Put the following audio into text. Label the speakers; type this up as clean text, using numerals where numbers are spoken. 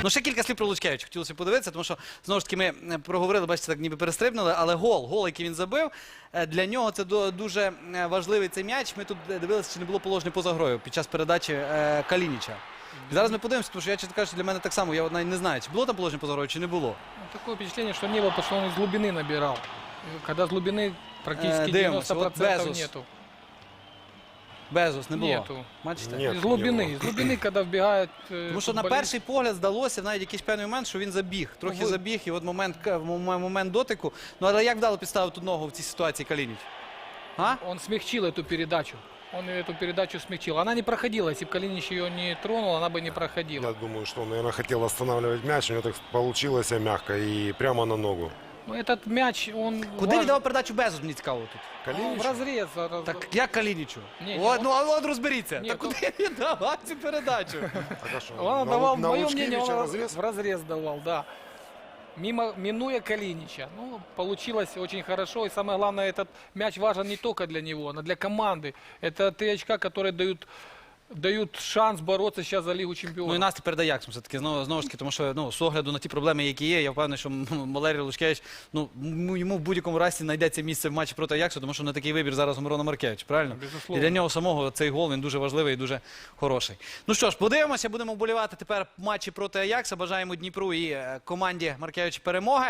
Speaker 1: Ну, ще кілька слів про Лучкевича хотілося подивитися, тому що, знову ж таки, ми проговорили, бачите, так ніби перестрибнули, але гол, який він забив, для нього це дуже важливий цей м'яч. Ми тут дивилися, чи не було положення поза грою під час передачі Калініча. І зараз ми подивимося, тому що я, чесно кажучи, для мене так само, я навіть не знаю, чи було там положення поза грою, чи не було.
Speaker 2: Такое впечатление, что не было, потому что он из глубины набирал. Когда с глубины практически
Speaker 1: Дивимося,
Speaker 2: 90%
Speaker 1: от Безус.
Speaker 2: нету.
Speaker 1: Безус не було.
Speaker 2: Нету.
Speaker 1: Бачите?
Speaker 3: Нет,
Speaker 2: Из глубины, когда вбегает
Speaker 1: Тому що на перший погляд здалося навіть якийсь певний момент, що він забіг. Трохи забіг, і от момент дотику. Ну, але як вдало підставив тут ногу в цій ситуації Калініч? А?
Speaker 2: Он смягчил эту передачу. Он эту передачу смягчил. Она не проходила. Если бы Калинич ее не тронул, она бы не проходила.
Speaker 3: Я думаю, что он, наверное, хотел останавливать мяч. У него так получилось мягко и прямо на ногу.
Speaker 2: Но этот мяч, он...
Speaker 1: Куди віддав передачу Безус, мені цікаво тут?
Speaker 3: Калинич?
Speaker 2: В разрез.
Speaker 1: Так як Калінічу?
Speaker 2: Ні,
Speaker 1: От,
Speaker 2: ну,
Speaker 1: ну, от розберіться.
Speaker 2: ні,
Speaker 1: Так
Speaker 2: ну-
Speaker 1: куди він давав цю передачу?
Speaker 3: Так, а что,
Speaker 2: Он
Speaker 3: на
Speaker 2: давал,
Speaker 3: на
Speaker 2: мое мнение,
Speaker 3: Лучкевича
Speaker 2: он
Speaker 3: разрез?
Speaker 2: в разрез давал, да. Минуя Калинича. Ну, получилось очень хорошо. И самое главное, этот мяч важен не только для него, но для команды. Это 3 очка, которые дают шанс бороться сейчас за Лигу Чемпионов.
Speaker 1: Ну і настрій перед Аяксом все-таки, знову ж таки, тому що, ну, з огляду на ті проблеми, які є, я впевнений, що Валерій Лучкевич, ну, йому в будь-якому разі знайдеться місце в матчі проти Аяксу, тому що на такий вибір зараз у Мирона Маркевич, правильно?
Speaker 2: Безусловно.
Speaker 1: І для нього самого цей гол, він дуже важливий і дуже хороший. Ну що ж, подивимося, будемо вболівати тепер в матчі проти Аякса, бажаємо Дніпру і команді Маркевича перемоги.